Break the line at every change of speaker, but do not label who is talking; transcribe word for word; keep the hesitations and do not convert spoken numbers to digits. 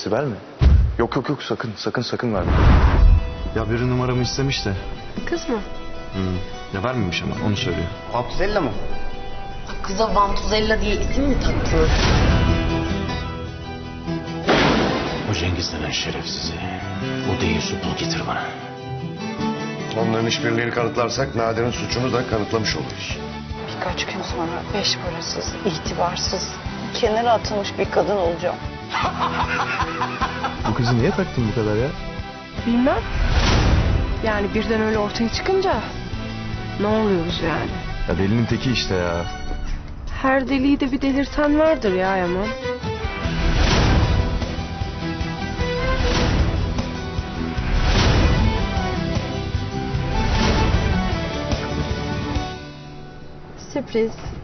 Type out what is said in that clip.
Sibel mi? Yok yok yok sakın sakın sakın verme. Ya biri numaramı istemiş de.
Kız mı?
Hmm. Ya vermemiş ama onu söylüyor.
Abdüzella mı?
Kıza Vantuzella diye isim mi taktın?
O Cengiz denen şerefsizi, o değil su bul getir bana.
Onların işbirliğini kanıtlarsak Nadir'in suçunu da kanıtlamış oluruz.
Birkaç gün sonra beş parasız, itibarsız, kenara atılmış bir kadın olacağım.
Bu kızı niye taktın bu kadar ya?
Bilmem. Yani birden öyle ortaya çıkınca ne oluyoruz yani?
Ya delinin teki işte ya.
Her deliği de bir delirten vardır ya Yaman. Sürpriz.